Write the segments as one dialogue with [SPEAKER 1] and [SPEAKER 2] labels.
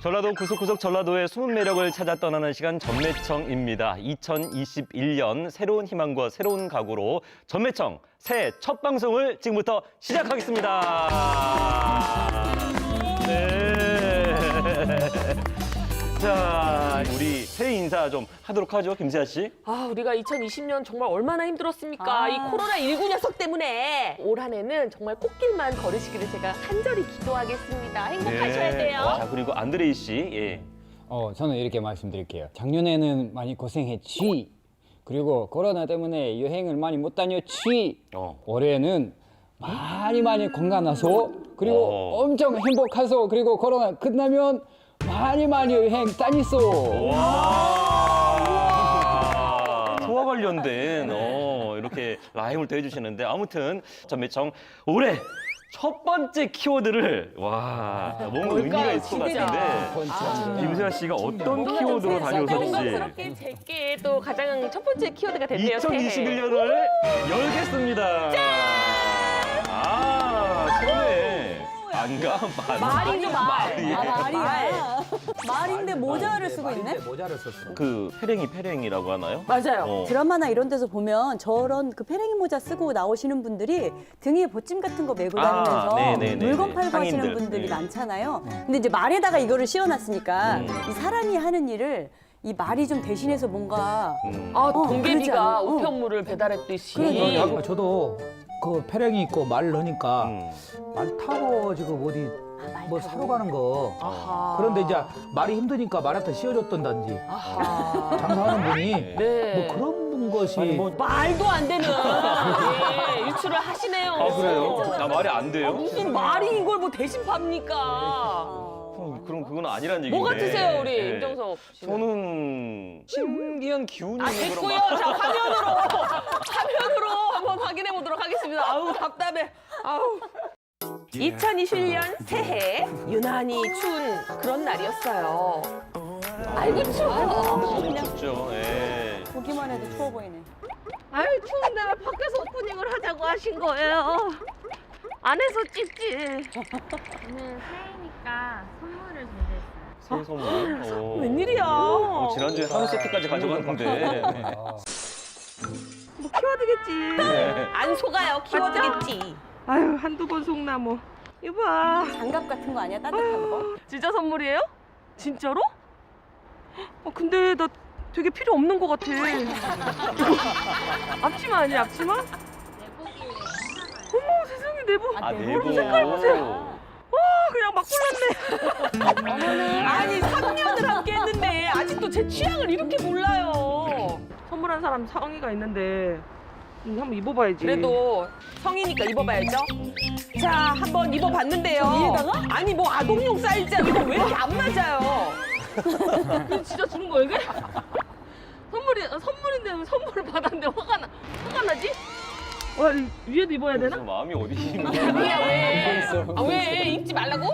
[SPEAKER 1] 전라도 구석구석 전라도의 숨은 매력을 찾아 떠나는 시간 전매청입니다. 2021년 새로운 희망과 새로운 각오로 전매청 새해 첫 방송을 지금부터 시작하겠습니다. 네. 자, 우리 새해 인사 좀 하도록 하죠, 김세아 씨.
[SPEAKER 2] 아, 우리가 2020년 정말 얼마나 힘들었습니까? 이 코로나19 녀석 때문에 올 한 해는 정말 꽃길만 걸으시기를 제가 간절히 기도하겠습니다. 행복하셔야 돼요.
[SPEAKER 1] 자, 그리고 안드레이 씨. 예.
[SPEAKER 3] 저는 이렇게 말씀드릴게요. 작년에는 많이 고생했지. 그리고 코로나 때문에 여행을 많이 못 다녔지. 올해는 많이 건강하소. 그리고 엄청 행복하소. 그리고 코로나 끝나면 많이 여행 다니소.
[SPEAKER 1] 소와 관련된 이렇게 라임을 또 해주시는데 아무튼 전매청 올해 첫 번째 키워드를 뭔가 의미가 있을 것 같은데 김세아 씨가 어떤 키워드로 다녀오셨지?
[SPEAKER 2] 영광스럽게 제게 또 가장 첫 번째 키워드가 됐네요.
[SPEAKER 1] 2021년을 열겠습니다. 처음에 안가
[SPEAKER 2] 말이죠, 말.
[SPEAKER 4] 말이야. 말인데 모자를 쓰고 있네?
[SPEAKER 5] 모자를 썼어.
[SPEAKER 1] 그 페랭이라고 하나요?
[SPEAKER 2] 맞아요.
[SPEAKER 4] 드라마나 이런 데서 보면 저런 그 페랭이 모자 쓰고 나오시는 분들이 등에 보찜 같은 거 메고 다니면서
[SPEAKER 1] 네네네네.
[SPEAKER 4] 물건 팔고 하시는
[SPEAKER 1] 상인들.
[SPEAKER 4] 분들이
[SPEAKER 1] 네.
[SPEAKER 4] 많잖아요. 근데 이제 말에다가 이거를 씌워놨으니까 이 사람이 하는 일을 이 말이 좀 대신해서 뭔가
[SPEAKER 2] 아,
[SPEAKER 4] 그러지
[SPEAKER 2] 동계비가
[SPEAKER 4] 않아요?
[SPEAKER 2] 우편물을 배달했듯이.
[SPEAKER 4] 그러니까.
[SPEAKER 5] 저도 그 페랭이 있고 말을 하니까 말 타고 지금 어디 뭐 사러 가는 거.
[SPEAKER 2] 아하.
[SPEAKER 5] 그런데 이제 말이 힘드니까 말한테 씌워줬던단지.
[SPEAKER 2] 아하.
[SPEAKER 5] 장사하는 분이
[SPEAKER 2] 네.
[SPEAKER 5] 뭐 그런 것이
[SPEAKER 2] 말도 안 되는 유출을 하시네요.
[SPEAKER 1] 그래요? 나 말이 안 돼요?
[SPEAKER 2] 무슨 말이 이걸 뭐 대신 팝니까?
[SPEAKER 1] 그럼 그건 아니란 얘기인데.
[SPEAKER 2] 뭐 같으세요, 우리
[SPEAKER 1] 네.
[SPEAKER 2] 임정석 씨?
[SPEAKER 1] 저는 신기한 기운이
[SPEAKER 2] 아,
[SPEAKER 1] 있는
[SPEAKER 2] 됐고요.
[SPEAKER 1] 그런
[SPEAKER 2] 자, 화면으로 한번 확인해 보도록 하겠습니다. 아우, 답답해. 아우. 2021년 새해 유난히 추운 그런 날이었어요. 아이고 추워.
[SPEAKER 1] 그냥 춥죠. 예.
[SPEAKER 4] 보기만 해도 추워 보이네.
[SPEAKER 2] 아유 추운데 왜 밖에서 오프닝을 하자고 하신 거예요? 안에서 찍지.
[SPEAKER 6] 오늘 새해니까 선물을 준비했어요.
[SPEAKER 1] 새해 선물.
[SPEAKER 2] 웬일이야?
[SPEAKER 1] 지난주에 한우 세트까지 가져갔는데.
[SPEAKER 2] 뭐 키워드겠지. 안 속아요. 키워드겠지. 아유 한두 번 속나 뭐. 이거 봐.
[SPEAKER 4] 장갑 같은 거 아니야? 따뜻한 거?
[SPEAKER 2] 진짜 선물이에요? 진짜로? 근데 나 되게 필요 없는 것 같아. 앞치마 아니야 앞치마?
[SPEAKER 6] 내복이에요.
[SPEAKER 2] 어머 세상에 내복.
[SPEAKER 1] 내부.
[SPEAKER 2] 색깔 보세요. 그냥 막 골랐네. 아니 3년을 함께 했는데 아직도 제 취향을 이렇게 몰라요. 선물한 사람 성의가 있는데 한번 입어봐야지. 그래도 성이니까 입어봐야죠. 자, 한번 입어봤는데요.
[SPEAKER 4] 위에다가?
[SPEAKER 2] 아니 뭐 아동용 사이즈야. 이거 왜 이렇게 안 맞아요? 이거 진짜 주는 거야 이게? 선물인데 왜 선물을 받았는데 화가 나지? 위에도 입어야 되나?
[SPEAKER 1] 마음이 어디 있는
[SPEAKER 2] 야,
[SPEAKER 1] 거야?
[SPEAKER 2] 왜? 왜 입지 말라고?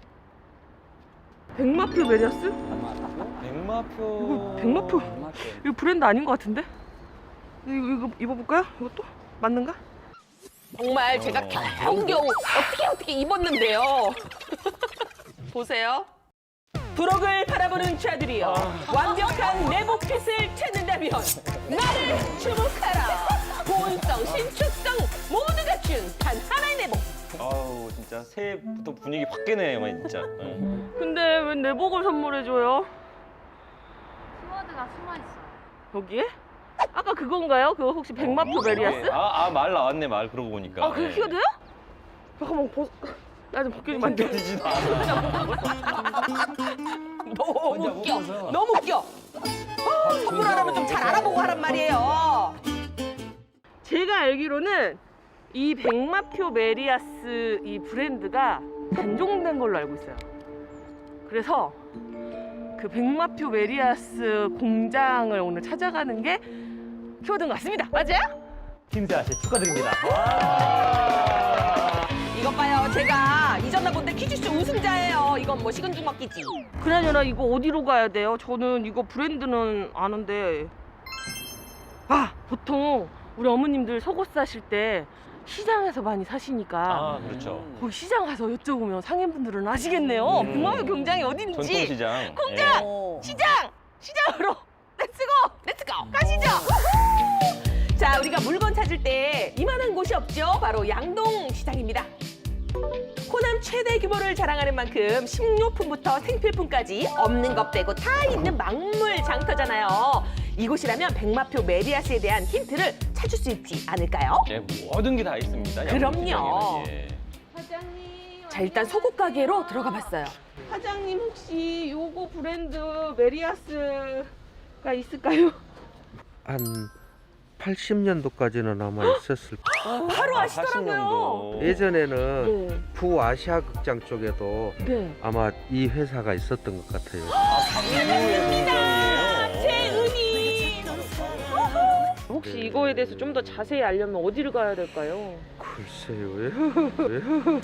[SPEAKER 2] 백마표 메리아스?
[SPEAKER 1] 백마표.
[SPEAKER 2] 백마표. 이거 브랜드 아닌 것 같은데? 이거 입어볼까요? 이것도? 맞는가? 정말 제가 겨우겨우 어떻게 입었는데요. 보세요. 부록을 바라보는 자들이여 완벽한 내복핏을 찾는다면 나를 주목하라. 보온성, 신축성 모두 갖춘 단 하나의 내복.
[SPEAKER 1] 아우 진짜 새해부터 분위기 확 깨네요, 진짜.
[SPEAKER 2] 근데 왜 내복을 선물해줘요?
[SPEAKER 6] 키워드가 숨어있어요.
[SPEAKER 2] 여기에? 아까 그건가요? 그거 혹시 백마표 메리아스?
[SPEAKER 1] 말 나왔네, 말 그러고 보니까.
[SPEAKER 2] 그게 키워드요? 잠깐만 나 좀 벗겨주면 안 돼?
[SPEAKER 1] 벗겨지지도 않아.
[SPEAKER 2] 너무 웃겨. 선물하라면 좀 잘 알아보고 하란 말이에요. 제가 알기로는 이 백마표 메리아스 이 브랜드가 단종된 걸로 알고 있어요. 그래서 그 백마표 메리아스 공장을 오늘 찾아가는 게 키워드인 것 같습니다. 맞아요?
[SPEAKER 1] 김세아 씨 축하드립니다.
[SPEAKER 2] 이것 봐요. 제가 이전에 본데 퀴즈쇼 우승자예요. 이건 뭐 식은 죽 먹기지. 그나저나 이거 어디로 가야 돼요? 저는 이거 브랜드는 아는데. 보통 우리 어머님들 속옷 사실 때 시장에서 많이 사시니까
[SPEAKER 1] 아, 그렇죠.
[SPEAKER 2] 거기 시장 가서 여쭤보면 상인분들은 아시겠네요. 백마표 경장이 어딘지.
[SPEAKER 1] 전통시장.
[SPEAKER 2] 공장!
[SPEAKER 4] 어.
[SPEAKER 2] 시장으로 렛츠고 가시죠. 자, 우리가 물건 찾을 때 이만한 곳이 없죠. 바로 양동시장입니다. 호남 최대 규모를 자랑하는 만큼 식료품부터 생필품까지 없는 것 빼고 다 있는 막물 장터잖아요. 이곳이라면 백마표 메리아스에 대한 힌트를 찾을 수 있지 않을까요?
[SPEAKER 1] 예, 모든 게 다 있습니다.
[SPEAKER 2] 그럼요.
[SPEAKER 1] 양동시장에는. 예.
[SPEAKER 6] 사장님.
[SPEAKER 2] 자, 일단 소국 가게로 들어가 봤어요. 사장님 혹시 요거 브랜드 메리아스가 있을까요?
[SPEAKER 7] 한 80년도까지는 아마 있었을 거예요.
[SPEAKER 2] 바로 아시더라고요.
[SPEAKER 1] 80년도.
[SPEAKER 7] 예전에는
[SPEAKER 2] 네.
[SPEAKER 7] 부아시아 극장 쪽에도
[SPEAKER 2] 네.
[SPEAKER 7] 아마 이 회사가 있었던 것 같아요.
[SPEAKER 2] 최은희. 혹시 이거에 대해서 좀 더 자세히 알려면 어디를 가야 될까요?
[SPEAKER 7] 글쎄요. 왜요?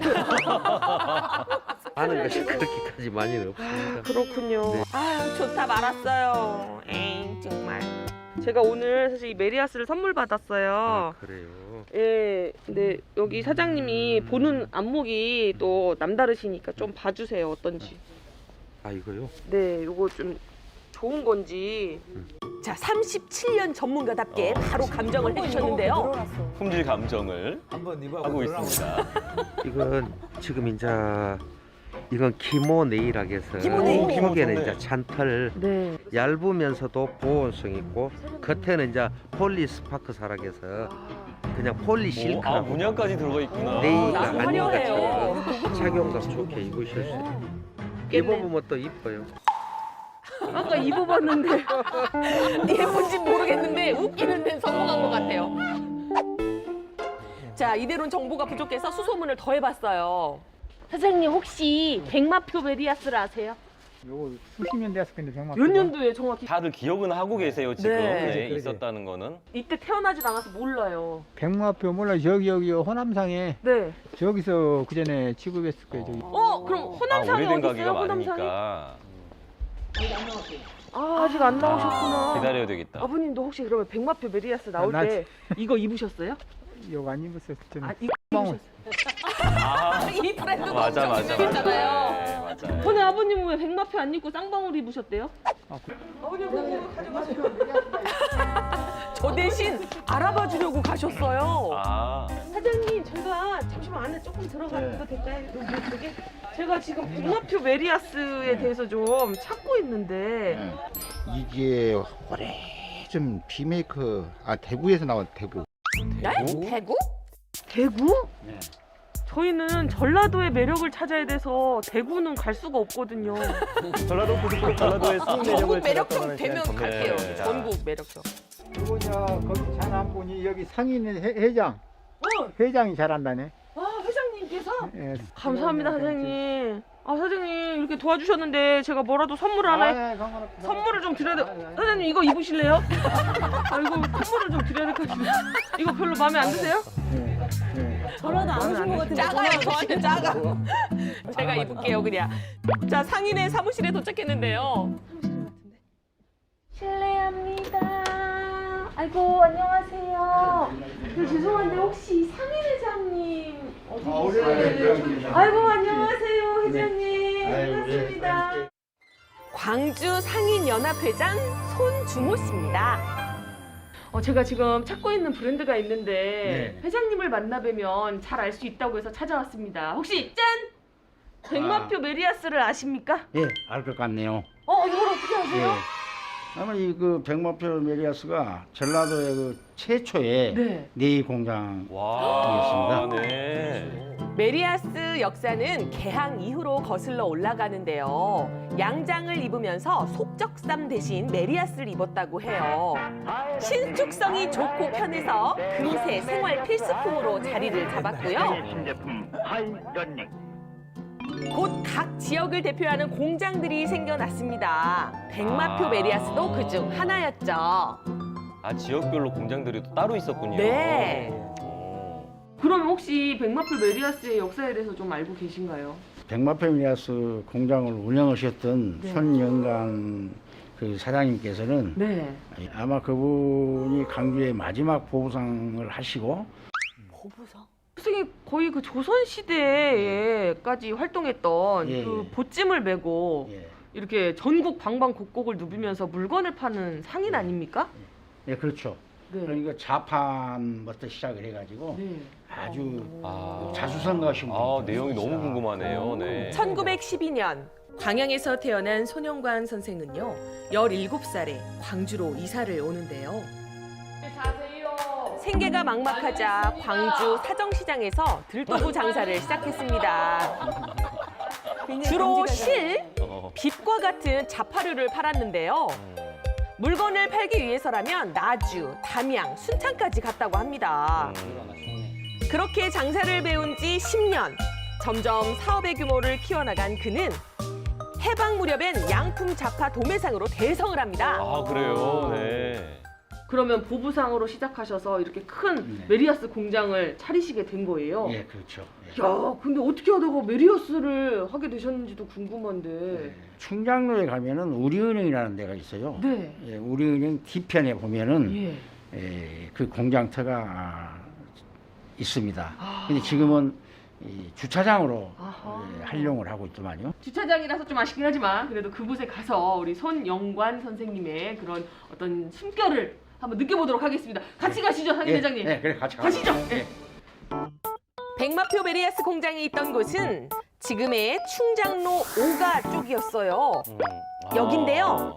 [SPEAKER 7] 아는 것이 그렇게까지 많이는 없습니다.
[SPEAKER 2] 그렇군요.
[SPEAKER 7] 네.
[SPEAKER 2] 아유, 좋다 말았어요. 에이, 정말. 제가 오늘 사실 이 메리아스를 선물
[SPEAKER 7] 아,
[SPEAKER 2] 받았어요.
[SPEAKER 7] 그래요.
[SPEAKER 2] 예, 근데 여기 사장님이 보는 안목이 또 남다르시니까 좀 봐주세요, 어떤지.
[SPEAKER 7] 아, 이거요?
[SPEAKER 2] 네, 요거 좀 좋은 건지. 자, 37년 전문가답게 바로 감정을 해주셨는데요.
[SPEAKER 1] 품질 감정을
[SPEAKER 5] 한번 입어보고
[SPEAKER 1] 하고
[SPEAKER 5] 들어가면
[SPEAKER 1] 있습니다.
[SPEAKER 7] 이건 지금 이제 이건 기모 네일하고 해서
[SPEAKER 4] 기모 네일.
[SPEAKER 7] 속에는
[SPEAKER 1] 좋네.
[SPEAKER 7] 이제 잔털
[SPEAKER 2] 네.
[SPEAKER 7] 얇으면서도 보온성 있고 겉에는 이제 폴리스파크사라고 해서 그냥
[SPEAKER 1] 아,
[SPEAKER 7] 폴리실크라고
[SPEAKER 1] 문양까지 들어가 있구나.
[SPEAKER 7] 네일가
[SPEAKER 2] 아주
[SPEAKER 7] 아닌
[SPEAKER 2] 화려해요.
[SPEAKER 7] 것처럼 착용감 좋게 입으실 수 있어요. 입어보면 또 이뻐요.
[SPEAKER 2] 아까 입어봤는데 예쁜지 모르겠는데 웃기는 데는 성공한 것 같아요. 자, 이대로는 정보가 부족해서 수소문을 더 해봤어요. 사장님 혹시 백마표 메리아스를 아세요?
[SPEAKER 8] 요거 수십 년 됐을 건데 백마.
[SPEAKER 2] 몇 년도에 정확히?
[SPEAKER 1] 다들 기억은 하고 계세요, 지금.
[SPEAKER 2] 네.
[SPEAKER 1] 네,
[SPEAKER 5] 그러지.
[SPEAKER 1] 있었다는 거는.
[SPEAKER 2] 이때 태어나지도 않아서 몰라요.
[SPEAKER 8] 백마표 몰라 여기 호남상에
[SPEAKER 2] 네.
[SPEAKER 8] 저기서 그 전에 취급했을 거예요. 저기.
[SPEAKER 2] 그럼 호남상에
[SPEAKER 1] 오래된
[SPEAKER 2] 어디 있어요?
[SPEAKER 1] 가게가
[SPEAKER 2] 호남상에?
[SPEAKER 1] 많으니까
[SPEAKER 2] 아직 안 나오셨구나.
[SPEAKER 1] 기다려야 되겠다.
[SPEAKER 2] 아버님도 혹시 그러면 백마표 메리아스 나올
[SPEAKER 8] 나
[SPEAKER 2] 때 이거 입으셨어요?
[SPEAKER 8] 요거 안 입었어요. 저는.
[SPEAKER 2] 이거
[SPEAKER 8] 빵원.
[SPEAKER 1] 아,
[SPEAKER 2] 이 브랜드가
[SPEAKER 1] 맞아,
[SPEAKER 2] 엄청
[SPEAKER 1] 맞아.
[SPEAKER 2] 유명했잖아요.
[SPEAKER 1] 네, 맞아요.
[SPEAKER 2] 근데 아버님은 왜 백마표 안 입고 쌍방울 입으셨대요?
[SPEAKER 8] 아, 그-
[SPEAKER 2] 아버님 그거 가져가세요. 저 대신 알아봐 주려고 가셨어요.
[SPEAKER 1] 아,
[SPEAKER 2] 사장님, 제가 잠시만 안에 조금 들어가도 될까요? 여기 제가 지금 백마표 메리아스에 대해서 좀 찾고 있는데
[SPEAKER 9] 이게 오래전 비메이커 대구에서 나온 대구.
[SPEAKER 1] 대구?
[SPEAKER 2] 대구? 대구?
[SPEAKER 1] 네.
[SPEAKER 2] 저희는 전라도의 매력을 찾아야 돼서 대구는 갈 수가 없거든요.
[SPEAKER 1] 전라도 고속도로 전라도의 수입 매력을
[SPEAKER 2] 전국 매력형
[SPEAKER 1] 찾았다는
[SPEAKER 2] 되면
[SPEAKER 1] 그냥
[SPEAKER 2] 갈게요.
[SPEAKER 1] 네.
[SPEAKER 2] 전국 매력형.
[SPEAKER 8] 요거 거기 잘한 분이 여기 상인 회장. 회장이 잘한다네.
[SPEAKER 2] 회장님께서?
[SPEAKER 8] 예.
[SPEAKER 2] 감사합니다, 사장님. 사장님 이렇게 도와주셨는데 제가 뭐라도 선물을 하나 선물을 좀 드려야 돼. 사장님 이거 입으실래요? 이거 선물을 좀 드려야 될 것 같은데. 이거 별로 마음에 안 드세요?
[SPEAKER 4] 전화도 안 오신 것 같은데.
[SPEAKER 2] 작아요,
[SPEAKER 4] 전화
[SPEAKER 2] 저한테 작아. 제가 입을게요, 그냥. 자, 상인의 사무실에 도착했는데요. 실례합니다. 아이고, 안녕하세요. 죄송한데 혹시 상인 회장님 어디 계세요? 아이고, 안녕하세요, 회장님. 반갑습니다. 광주 상인연합회장 손주모 씨입니다. 제가 지금 찾고 있는 브랜드가 있는데 회장님을 만나뵈면 잘 알 수 있다고 해서 찾아왔습니다. 혹시 짠! 백마표 메리아스를 아십니까?
[SPEAKER 9] 예, 알 것 같네요.
[SPEAKER 2] 이걸 어떻게 아세요?
[SPEAKER 9] 아마 이 백마표 메리아스가 전라도의 최초의
[SPEAKER 2] 네.
[SPEAKER 9] 네일 공장.
[SPEAKER 1] 와, 네.
[SPEAKER 2] 메리아스 역사는 개항 이후로 거슬러 올라가는데요. 양장을 입으면서 속적삼 대신 메리아스를 입었다고 해요. 신축성이 좋고 편해서 금세 생활 필수품으로 자리를 잡았고요. 곧 각 지역을 대표하는 공장들이 생겨났습니다. 백마표 메리아스도 그중 하나였죠.
[SPEAKER 1] 아, 지역별로 공장들이 또 따로 있었군요.
[SPEAKER 2] 네.
[SPEAKER 1] 오.
[SPEAKER 2] 그럼 혹시 백마표 메리아스의 역사에 대해서 좀 알고 계신가요?
[SPEAKER 9] 백마표 메리아스 공장을 운영하셨던
[SPEAKER 2] 네.
[SPEAKER 9] 손영강 그 사장님께서는
[SPEAKER 2] 네.
[SPEAKER 9] 아마 그분이 강주의 마지막 보부상을 하시고
[SPEAKER 4] 보부상?
[SPEAKER 2] 선생님 거의 그 조선 시대에까지 활동했던
[SPEAKER 9] 예,
[SPEAKER 2] 그
[SPEAKER 9] 예.
[SPEAKER 2] 보찜을 메고
[SPEAKER 9] 예.
[SPEAKER 2] 이렇게 전국 방방곡곡을 누비면서 물건을 파는 상인 아닙니까?
[SPEAKER 9] 예, 그렇죠.
[SPEAKER 2] 네.
[SPEAKER 9] 그러니까 자판부터 시작을 해가지고
[SPEAKER 2] 네.
[SPEAKER 9] 아주
[SPEAKER 1] 아.
[SPEAKER 9] 자수성가하신 분이
[SPEAKER 1] 내용이 너무 궁금하네요. 네.
[SPEAKER 2] 1912년 광양에서 태어난 손영관 선생은요 17살에 광주로 이사를 오는데요. 생계가 막막하자 광주 사정시장에서 들도구 장사를 시작했습니다. 주로 실, 빛과 같은 자파류를 팔았는데요. 물건을 팔기 위해서라면 나주, 담양, 순창까지 갔다고 합니다. 그렇게 장사를 배운 지 10년, 점점 사업의 규모를 키워나간 그는 해방 무렵엔 양품 자파 도매상으로 대성을 합니다.
[SPEAKER 1] 아, 그래요. 네.
[SPEAKER 2] 그러면 보부상으로 시작하셔서 이렇게 큰
[SPEAKER 9] 네.
[SPEAKER 2] 메리아스 공장을 차리시게 된 거예요?
[SPEAKER 9] 예, 그렇죠. 예.
[SPEAKER 2] 야, 근데 어떻게 하다가 메리아스를 하게 되셨는지도 궁금한데.
[SPEAKER 9] 네. 충장로에 가면은 우리은행이라는 데가 있어요.
[SPEAKER 2] 네.
[SPEAKER 9] 예, 우리은행 뒤편에 보면은
[SPEAKER 2] 예.
[SPEAKER 9] 그 공장터가 있습니다.
[SPEAKER 2] 아.
[SPEAKER 9] 근데 지금은 이 주차장으로
[SPEAKER 2] 아하.
[SPEAKER 9] 활용을 하고 있더만요.
[SPEAKER 2] 주차장이라서 좀 아쉽긴 하지만 그래도 그곳에 가서 우리 손영관 선생님의 그런 어떤 숨결을 한번 느껴보도록 하겠습니다. 같이 가시죠, 상인 회장님.
[SPEAKER 9] 네, 그래 같이
[SPEAKER 2] 가시죠.
[SPEAKER 9] 예.
[SPEAKER 2] 백마표 메리아스 공장이 있던 곳은 지금의 충장로 5가 쪽이었어요. 여긴데요.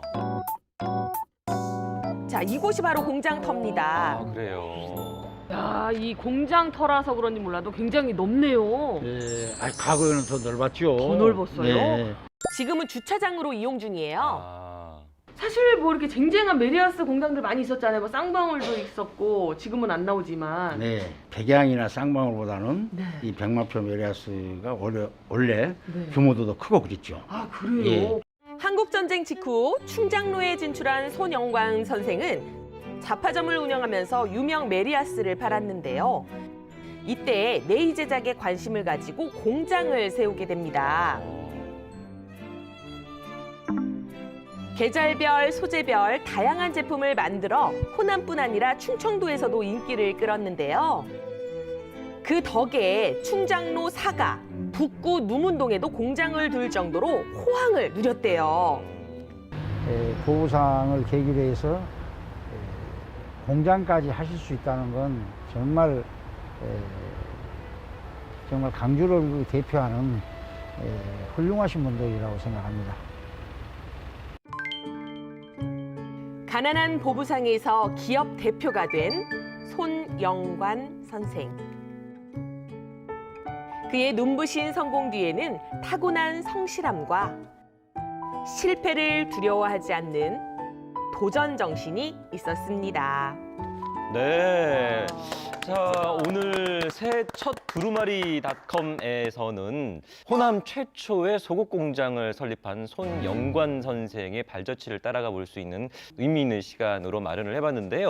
[SPEAKER 2] 자, 이곳이 바로 공장터입니다.
[SPEAKER 1] 아, 그래요.
[SPEAKER 2] 야, 이 공장터라서 그런지 몰라도 굉장히 넓네요.
[SPEAKER 9] 예, 과거에는 더 넓었죠.
[SPEAKER 2] 더 넓었어요?
[SPEAKER 9] 네.
[SPEAKER 2] 지금은 주차장으로 이용 중이에요.
[SPEAKER 1] 아.
[SPEAKER 2] 사실 뭐 이렇게 쟁쟁한 메리아스 공장들 많이 있었잖아요. 뭐 쌍방울도 있었고 지금은 안 나오지만.
[SPEAKER 9] 네, 백양이나 쌍방울보다는
[SPEAKER 2] 네.
[SPEAKER 9] 이 백마표 메리아스가 원래
[SPEAKER 2] 네.
[SPEAKER 9] 규모도 더 크고 그랬죠.
[SPEAKER 2] 아, 그래요?
[SPEAKER 9] 예.
[SPEAKER 2] 한국전쟁 직후 충장로에 진출한 손영광 선생은 자파점을 운영하면서 유명 메리아스를 팔았는데요. 이때 네이 제작에 관심을 가지고 공장을 세우게 됩니다. 계절별, 소재별 다양한 제품을 만들어 호남뿐 아니라 충청도에서도 인기를 끌었는데요. 그 덕에 충장로 4가 북구 누문동에도 공장을 둘 정도로 호황을 누렸대요.
[SPEAKER 8] 보부상을 계기로 해서 공장까지 하실 수 있다는 건 정말 강주를 대표하는 훌륭하신 분들이라고 생각합니다.
[SPEAKER 2] 가난한 보부상에서 기업 대표가 된 손영관 선생. 그의 눈부신 성공 뒤에는 타고난 성실함과 실패를 두려워하지 않는 도전 정신이 있었습니다.
[SPEAKER 1] 네. 자, 오늘 새 첫 두루마리닷컴에서는 호남 최초의 속옷 공장을 설립한 손영관 선생의 발자취를 따라가 볼 수 있는 의미 있는 시간으로 마련을 해봤는데요.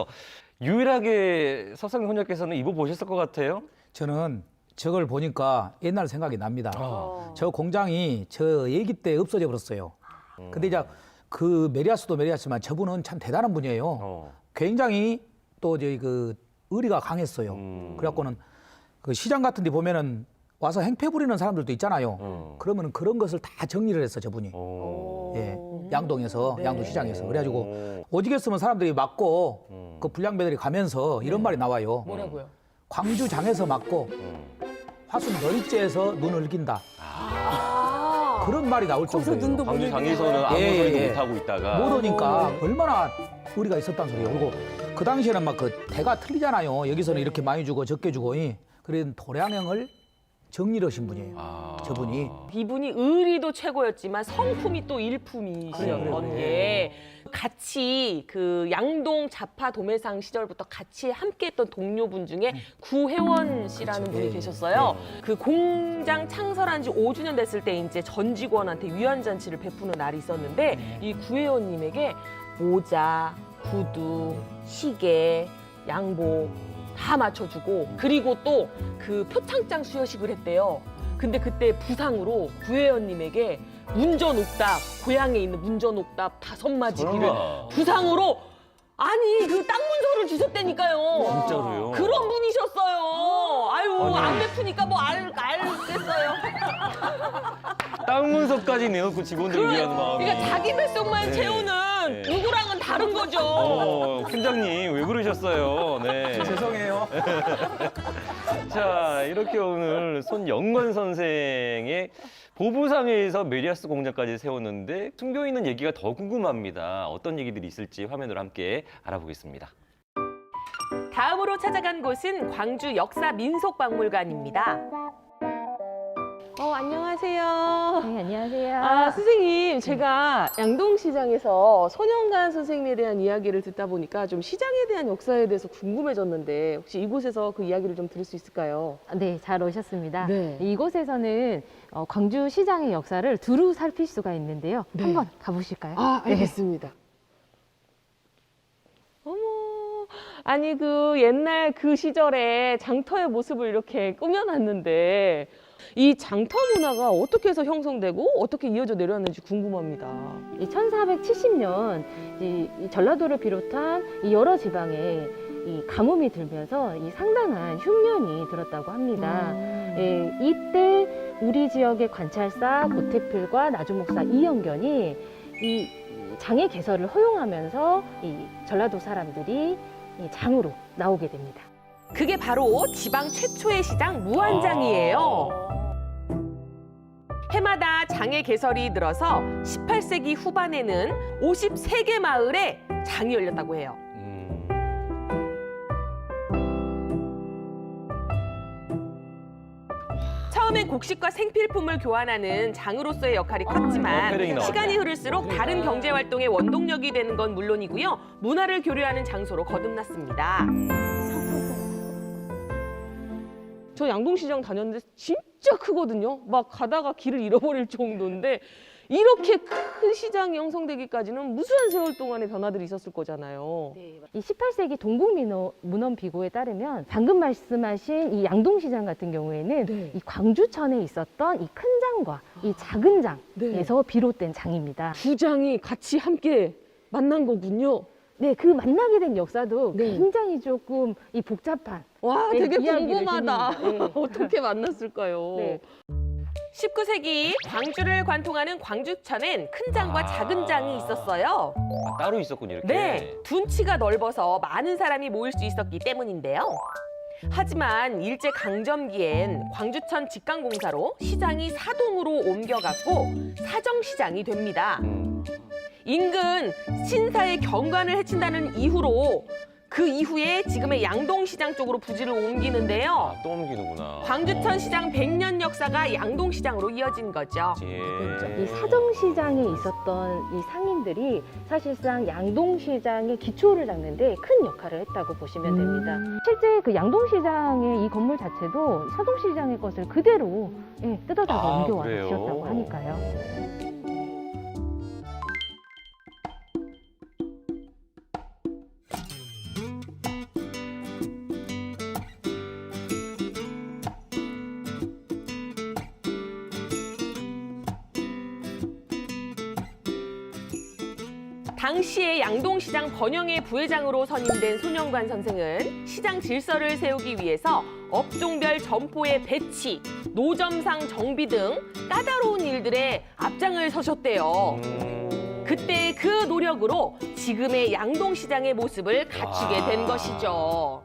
[SPEAKER 1] 유일하게 석상 혼자께서는 입어보셨을 것 같아요?
[SPEAKER 5] 저는 저걸 보니까 옛날 생각이 납니다. 저 공장이 저 얘기 때 없어져 버렸어요. 근데 이제 그 메리아스도 메리아스지만 저분은 참 대단한 분이에요. 굉장히 또 저희 그 의리가 강했어요. 그래갖고는 그 시장 같은 데 보면은 와서 행패 부리는 사람들도 있잖아요. 그러면은 그런 것을 다 정리를 했어, 저분이. 예. 양동에서,
[SPEAKER 2] 네.
[SPEAKER 5] 양동시장에서. 그래가지고 오지겠으면 사람들이 맞고 그 불량배들이 가면서 이런 말이 나와요.
[SPEAKER 2] 뭐라고요?
[SPEAKER 5] 광주장에서 맞고 화순 너리째에서 눈을 낀다. 그런 말이 나올
[SPEAKER 4] 거기서
[SPEAKER 5] 정도예요.
[SPEAKER 4] 눈도
[SPEAKER 1] 광주
[SPEAKER 4] 못
[SPEAKER 1] 장에서는 아무
[SPEAKER 5] 예,
[SPEAKER 1] 소리도
[SPEAKER 5] 예.
[SPEAKER 1] 못하고 있다가
[SPEAKER 5] 모르니까 얼마나 우리가 있었단 소리예요. 그리고 그 당시에는 막 그 대가 틀리잖아요. 여기서는 이렇게 많이 주고 적게 주고. 그런 도량형을 정리를 하신 분이에요. 저분이.
[SPEAKER 2] 이분이 의리도 최고였지만 성품이 또 일품이셨던 게 같이 그 양동 자파 도매상 시절부터 같이 함께했던 동료분 중에 구혜원 씨라는
[SPEAKER 5] 그렇죠.
[SPEAKER 2] 분이
[SPEAKER 5] 예,
[SPEAKER 2] 계셨어요. 그 공장 창설한 지 5주년 됐을 때 이제 전 직원한테 위안 잔치를 베푸는 날이 있었는데 이 구혜원님에게 모자, 구두, 시계, 양복 다 맞춰주고 그리고 또 그 표창장 수여식을 했대요. 근데 그때 부상으로 구혜연님에게 문전옥답, 고향에 있는 문전옥답 5마지기를
[SPEAKER 1] 설마.
[SPEAKER 2] 부상으로 아니 그 땅 문서를 주셨다니까요.
[SPEAKER 1] 진짜로요?
[SPEAKER 2] 그런 분이셨어요. 아유 안 베푸니까 뭐 알겠어요.
[SPEAKER 1] 땅 문서까지 내놓고 직원들을 위한 마음이.
[SPEAKER 2] 그러니까 자기 뱃속만
[SPEAKER 1] 네.
[SPEAKER 2] 채우는
[SPEAKER 1] 네.
[SPEAKER 2] 누구랑은 다른 거죠.
[SPEAKER 1] 팀장님 왜 그러셨어요? 네.
[SPEAKER 5] 죄송해요.
[SPEAKER 1] 자, 이렇게 오늘 손영건 선생의 보부상에서 메리아스 공장까지 세웠는데 숨겨 있는 얘기가 더 궁금합니다. 어떤 얘기들이 있을지 화면으로 함께 알아보겠습니다.
[SPEAKER 2] 다음으로 찾아간 곳은 광주 역사민속박물관입니다. 안녕하세요.
[SPEAKER 6] 네, 안녕하세요.
[SPEAKER 2] 아, 선생님, 제가 양동시장에서 손영관 선생님에 대한 이야기를 듣다 보니까 좀 시장에 대한 역사에 대해서 궁금해졌는데 혹시 이곳에서 그 이야기를 좀 들을 수 있을까요?
[SPEAKER 6] 네, 잘 오셨습니다.
[SPEAKER 2] 네.
[SPEAKER 6] 이곳에서는 광주 시장의 역사를 두루 살필 수가 있는데요.
[SPEAKER 2] 네.
[SPEAKER 6] 한번 가보실까요?
[SPEAKER 2] 아, 알겠습니다. 어머, 아니 그 옛날 그 시절에 장터의 모습을 이렇게 꾸며놨는데 이 장터 문화가 어떻게 해서 형성되고 어떻게 이어져 내려왔는지 궁금합니다.
[SPEAKER 6] 이 1470년 이 전라도를 비롯한 이 여러 지방에 이 가뭄이 들면서 이 상당한 흉년이 들었다고 합니다. 예, 이때 우리 지역의 관찰사 고태필과 나주목사 이영견이 이 장의 개설을 허용하면서 이 전라도 사람들이 이 장으로 나오게 됩니다.
[SPEAKER 2] 그게 바로 지방 최초의 시장 무안장이에요. 해마다 장의 개설이 늘어서 18세기 후반에는 53개 마을에 장이 열렸다고 해요. 처음엔 곡식과 생필품을 교환하는 장으로서의 역할이 컸지만
[SPEAKER 1] 패링이 나왔네.
[SPEAKER 2] 시간이 흐를수록 다른 경제 활동의 원동력이 되는 건 물론이고요. 문화를 교류하는 장소로 거듭났습니다. 저 양동시장 다녔는데 진짜 크거든요. 막 가다가 길을 잃어버릴 정도인데 이렇게 큰 시장이 형성되기까지는 무수한 세월 동안의 변화들이 있었을 거잖아요.
[SPEAKER 6] 이 18세기 동국문헌비고에 따르면 방금 말씀하신 이 양동시장 같은 경우에는
[SPEAKER 2] 네.
[SPEAKER 6] 이 광주천에 있었던 이 큰 장과 이 작은 장에서 비롯된 장입니다.
[SPEAKER 2] 두 장이 같이 함께 만난 거군요.
[SPEAKER 6] 네, 그 만나게 된 역사도
[SPEAKER 2] 네.
[SPEAKER 6] 굉장히 조금 이 복잡한
[SPEAKER 2] 와,
[SPEAKER 6] 네,
[SPEAKER 2] 되게
[SPEAKER 6] 이야기를
[SPEAKER 2] 궁금하다.
[SPEAKER 6] 드립니다. 네.
[SPEAKER 2] 어떻게 만났을까요?
[SPEAKER 6] 네.
[SPEAKER 2] 19세기 광주를 관통하는 광주천엔 큰 장과 작은 장이 있었어요.
[SPEAKER 1] 아, 따로 있었군요, 이렇게.
[SPEAKER 2] 네, 둔치가 넓어서 많은 사람이 모일 수 있었기 때문인데요. 하지만 일제 강점기엔 광주천 직강공사로 시장이 사동으로 옮겨갔고 사정시장이 됩니다. 인근 신사의 경관을 해친다는 이유로 그 이후에 지금의 양동시장 쪽으로 부지를 옮기는데요.
[SPEAKER 1] 아, 또 옮기는구나.
[SPEAKER 2] 광주천 시장 100년 역사가 양동시장으로 이어진 거죠.
[SPEAKER 1] 예.
[SPEAKER 6] 이 사정시장에 있었던 이 상인들이 사실상 양동시장의 기초를 닦는데 큰 역할을 했다고 보시면 됩니다. 실제 그 양동시장의 이 건물 자체도 사정시장의 것을 그대로 뜯어다가
[SPEAKER 1] 아,
[SPEAKER 6] 옮겨와
[SPEAKER 1] 그래요?
[SPEAKER 6] 주셨다고 하니까요.
[SPEAKER 2] 당시에 양동시장 번영의 부회장으로 선임된 손영관 선생은 시장 질서를 세우기 위해서 업종별 점포의 배치, 노점상 정비 등 까다로운 일들에 앞장을 서셨대요. 그때 그 노력으로 지금의 양동시장의 모습을 갖추게 된 것이죠.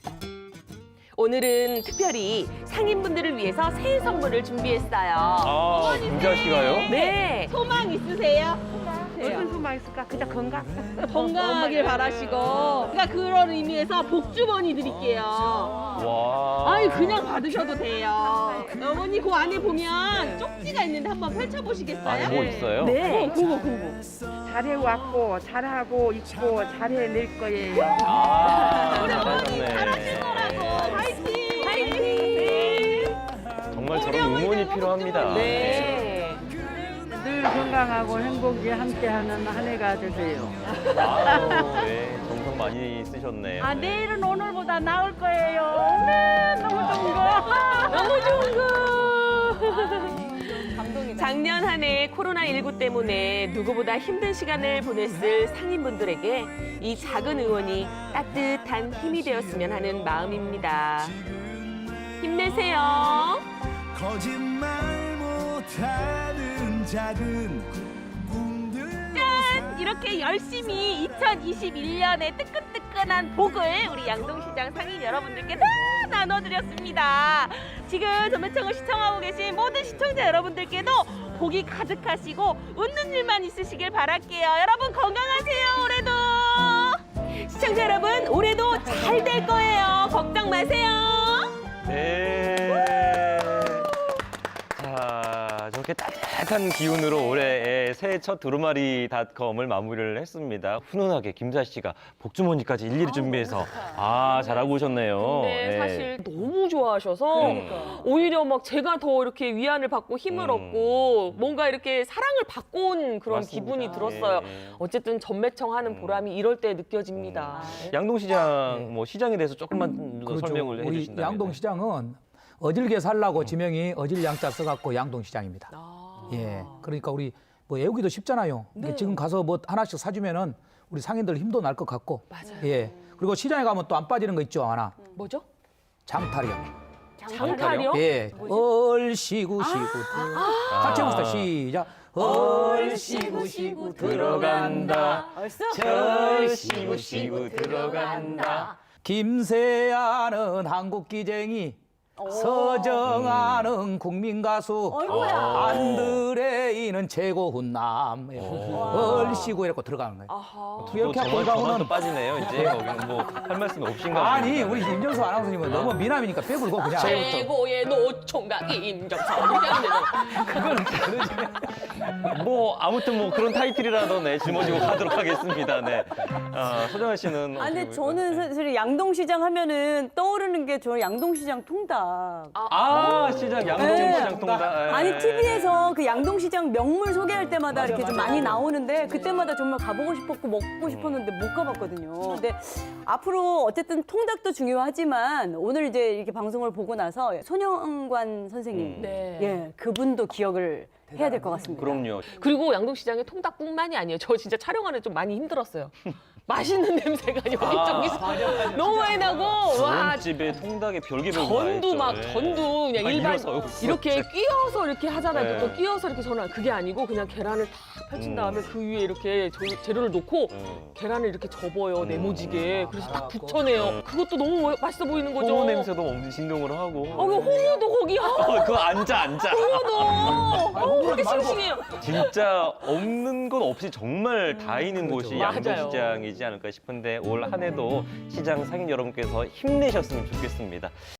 [SPEAKER 2] 오늘은 특별히 상인분들을 위해서 새해 선물을 준비했어요.
[SPEAKER 1] 아, 김자 씨가요?
[SPEAKER 2] 네.
[SPEAKER 10] 소망 있으세요?
[SPEAKER 2] 무슨
[SPEAKER 10] 소망 있을까? 그냥 건강.
[SPEAKER 2] 건강하길 바라시고. 그러니까 그런 의미에서 복주머니 드릴게요.
[SPEAKER 1] 와.
[SPEAKER 2] 아이, 그냥 받으셔도 돼요. 어머니 그 안에 보면 쪽지가 있는데 한번 펼쳐보시겠어요?
[SPEAKER 1] 안에 뭐 있어요?
[SPEAKER 2] 네. 그거.
[SPEAKER 10] 잘해왔고 잘하고 있고 잘해낼 거예요.
[SPEAKER 1] 아,
[SPEAKER 2] 우리 어머니
[SPEAKER 1] 잘하셨네.
[SPEAKER 2] 잘하신 거라고. 화이팅! 화이팅!
[SPEAKER 1] 정말 저런 응원이 필요합니다.
[SPEAKER 2] 네.
[SPEAKER 10] 늘 건강하고 행복이 함께하는 한 해가 되세요.
[SPEAKER 1] 아유, 네, 정성 많이 쓰셨네요.
[SPEAKER 10] 아 내일은 오늘보다 나을 거예요. 네, 너무 좋은 거.
[SPEAKER 2] 너무 좋은 거. 감동이다. 작년 한 해 코로나19 때문에 누구보다 힘든 시간을 보냈을 상인분들에게 이 작은 응원이 따뜻한 힘이 되었으면 하는 마음입니다. 힘내세요.
[SPEAKER 11] 거짓말 못하는 작은
[SPEAKER 2] 짠! 이렇게 열심히 2021년에 뜨끈뜨끈한 복을 우리 양동시장 상인 여러분들께 다 나눠드렸습니다. 지금 전매청을 시청하고 계신 모든 시청자 여러분들께도 복이 가득하시고 웃는 일만 있으시길 바랄게요. 여러분 건강하세요. 올해도 시청자 여러분 올해도 잘 될 거예요. 걱정 마세요.
[SPEAKER 1] 네. 자, 저렇게 따뜻한 기운으로 올해의 새해 첫 두루마리닷컴을 마무리를 했습니다. 훈훈하게 김사 씨가 복주머니까지 일일이 준비해서 잘하고 오셨네요.
[SPEAKER 2] 근데
[SPEAKER 1] 네.
[SPEAKER 2] 사실 너무 좋아하셔서
[SPEAKER 1] 그러니까.
[SPEAKER 2] 오히려 막 제가 더 이렇게 위안을 받고 힘을 얻고 뭔가 이렇게 사랑을 받고 온 그런
[SPEAKER 1] 맞습니다.
[SPEAKER 2] 기분이 들었어요.
[SPEAKER 1] 예, 예.
[SPEAKER 2] 어쨌든 전매청 하는 보람이 이럴 때 느껴집니다.
[SPEAKER 1] 양동시장 뭐 시장에 대해서 조금만 더
[SPEAKER 5] 그렇죠.
[SPEAKER 1] 설명을
[SPEAKER 5] 우리
[SPEAKER 1] 해주신다면.
[SPEAKER 5] 양동시장은 어질게 살라고 지명이 어질 양자 써갖고 양동시장입니다.
[SPEAKER 2] 아.
[SPEAKER 5] 예, 그러니까 우리 뭐 애우기도 쉽잖아요.
[SPEAKER 2] 네.
[SPEAKER 5] 지금 가서 뭐 하나씩 사주면은 우리 상인들 힘도 날 것 같고.
[SPEAKER 2] 맞아요.
[SPEAKER 5] 예, 그리고 시장에 가면 또 안 빠지는 거 있죠 하나.
[SPEAKER 2] 뭐죠?
[SPEAKER 5] 장탈이요.
[SPEAKER 2] 장탈이요?
[SPEAKER 5] 예, 얼씨구시구 같이 해봅시다. 시작. 얼씨구시구 들어간다.
[SPEAKER 1] 절시구시구 들어간다.
[SPEAKER 5] 김세아는 한국기쟁이, 서정아는 국민가수, 안드레이는 최고 훈남. 얼씨구 이렇게 들어가는 거예요.
[SPEAKER 2] 아하.
[SPEAKER 5] 이렇게 하고
[SPEAKER 1] 저만
[SPEAKER 5] 가면은
[SPEAKER 1] 또 빠지네요. 이제 거기는 뭐 할 말씀이 없신가
[SPEAKER 5] 아니
[SPEAKER 1] 봅니다.
[SPEAKER 5] 우리 임정수 아나운서님은 너무 미남이니까 빼불고 그냥.
[SPEAKER 2] 최고의 노총각 임정선 이렇게 하면 되죠.
[SPEAKER 1] 뭐 아무튼 뭐 그런 타이틀이라도 네 짊어지고 가도록 하겠습니다. 네. 소정아 씨는
[SPEAKER 4] 아, 근데
[SPEAKER 1] 어떻게
[SPEAKER 4] 저는 사실 양동시장 하면은 떠오르는 게 저 양동시장 통닭.
[SPEAKER 1] 시장 양동시장 통닭. 예.
[SPEAKER 4] 아니 TV에서 그 양동시장 명물 소개할 때마다 이렇게 좀 많이 나오는데 그때마다 정말 가보고 싶었고 먹고 싶었는데 못 가봤거든요. 근데 앞으로 어쨌든 통닭도 중요하지만 오늘 이제 이렇게 방송을 보고 나서 손영관 선생님,
[SPEAKER 2] 네.
[SPEAKER 4] 예, 그분도 기억을 해야 될 것 같습니다.
[SPEAKER 1] 그럼요.
[SPEAKER 2] 그리고 양동시장의 통닭뿐만이 아니에요. 저 진짜 촬영하는 좀 많이 힘들었어요. 맛있는 냄새가 여기저기서 너무 많이 나고 와
[SPEAKER 1] 집에 통닭에 별개별
[SPEAKER 2] 전도 막 전도 그냥 일반
[SPEAKER 1] 일어서
[SPEAKER 2] 이렇게 끼워서 이렇게 하잖아요.
[SPEAKER 1] 네.
[SPEAKER 2] 또 끼워서 이렇게 전화 그게 아니고 그냥 계란을 탁 펼친 다음에 그 위에 이렇게 재료를 놓고 계란을 이렇게 접어요 네모지게 그래서 딱 붙여내요. 그것도 너무 맛있어 보이는 거죠.
[SPEAKER 1] 홍어 냄새도 엄청 진동을 하고.
[SPEAKER 2] 그 홍어도 거기
[SPEAKER 1] 그거 앉아.
[SPEAKER 2] 홍어도 그렇게 싱싱해요.
[SPEAKER 1] 진짜 없는 건 없이 정말 다 있는 곳이
[SPEAKER 2] 맞아요.
[SPEAKER 1] 양동시장이지 않을까 싶은데 올 한 해도 시장 상인 여러분께서 힘내셨으면 좋겠습니다.